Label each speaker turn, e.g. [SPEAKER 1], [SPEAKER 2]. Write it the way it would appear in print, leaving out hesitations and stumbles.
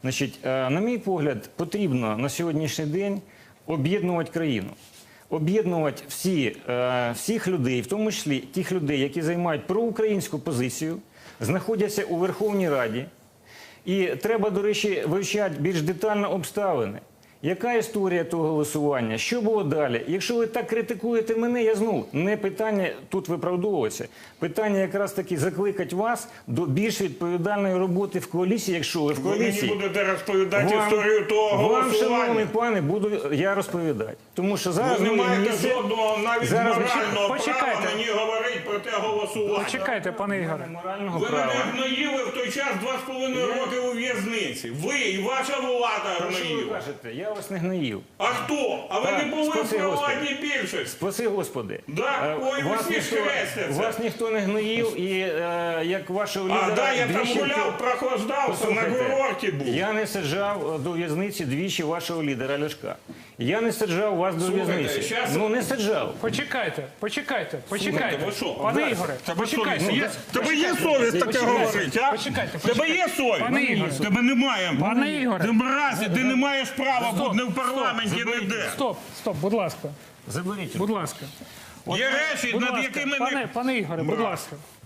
[SPEAKER 1] Значить, на мій погляд, потрібно на сьогоднішній день об'єднувати країну. Об'єднувати всіх людей, в тому числі тих людей, які займають проукраїнську позицію, знаходяться у Верховній Раді. І треба, до речі, вивчати більш детально обставини. Яка історія того голосування? Що було далі? Якщо ви так критикуєте мене, я знову не питання тут виправдовуватися. Питання якраз таки закликати вас до більш відповідальної роботи в коаліції, якщо ви в коаліції.
[SPEAKER 2] Ви мені будете розповідати історію того голосування.
[SPEAKER 1] Вам, шановний пане, буду я розповідати. Тому що зараз
[SPEAKER 2] ви не маєте
[SPEAKER 1] місце...
[SPEAKER 2] жодного навіть морального права мені говорити про те голосування.
[SPEAKER 3] Почекайте, пане Ігоре.
[SPEAKER 2] Ви мене гноїли в той час 2,5 роки у в'язниці. Ви і ваша влада
[SPEAKER 1] Про що ви
[SPEAKER 2] гноїла.
[SPEAKER 1] кажете? Я вас не гноїв.
[SPEAKER 2] А хто? А ви не були в
[SPEAKER 1] спаси
[SPEAKER 2] провладній більшості?
[SPEAKER 1] Спаси Господи.
[SPEAKER 2] Да? Ой, ви всі хрестяться.
[SPEAKER 1] Вас ніхто не гноїв, і як вашого лідера...
[SPEAKER 2] А, да, я там
[SPEAKER 1] двічі-
[SPEAKER 2] гуляв, прохлаждався, на
[SPEAKER 1] Послухайте,
[SPEAKER 2] курорті був.
[SPEAKER 1] Я не саджав до в'язниці двічі вашого лідера Ляшка. Я не саджав вас до
[SPEAKER 2] Слухайте,
[SPEAKER 1] в'язниці.
[SPEAKER 2] щас-
[SPEAKER 1] Ну, не саджав.
[SPEAKER 3] Почекайте.
[SPEAKER 2] Слухайте, ви що?
[SPEAKER 3] Пане Ігоре, почекайте.
[SPEAKER 2] Тебе є совість таке говорити, а?
[SPEAKER 3] Почекайте,
[SPEAKER 2] Тебе є совість?
[SPEAKER 3] Пане Ігоре.
[SPEAKER 2] Тебе немає.
[SPEAKER 3] Пане Ігоре.
[SPEAKER 2] Ти мразі, ти не маєш права бути не в парламенті, ніде.
[SPEAKER 3] Стоп, будь ласка.
[SPEAKER 1] Заберіть.
[SPEAKER 3] Будь ласка.
[SPEAKER 2] Є речі,
[SPEAKER 3] Будь
[SPEAKER 2] над
[SPEAKER 3] ласка.
[SPEAKER 2] якими не...
[SPEAKER 3] Пане Ігоре, будь ласка.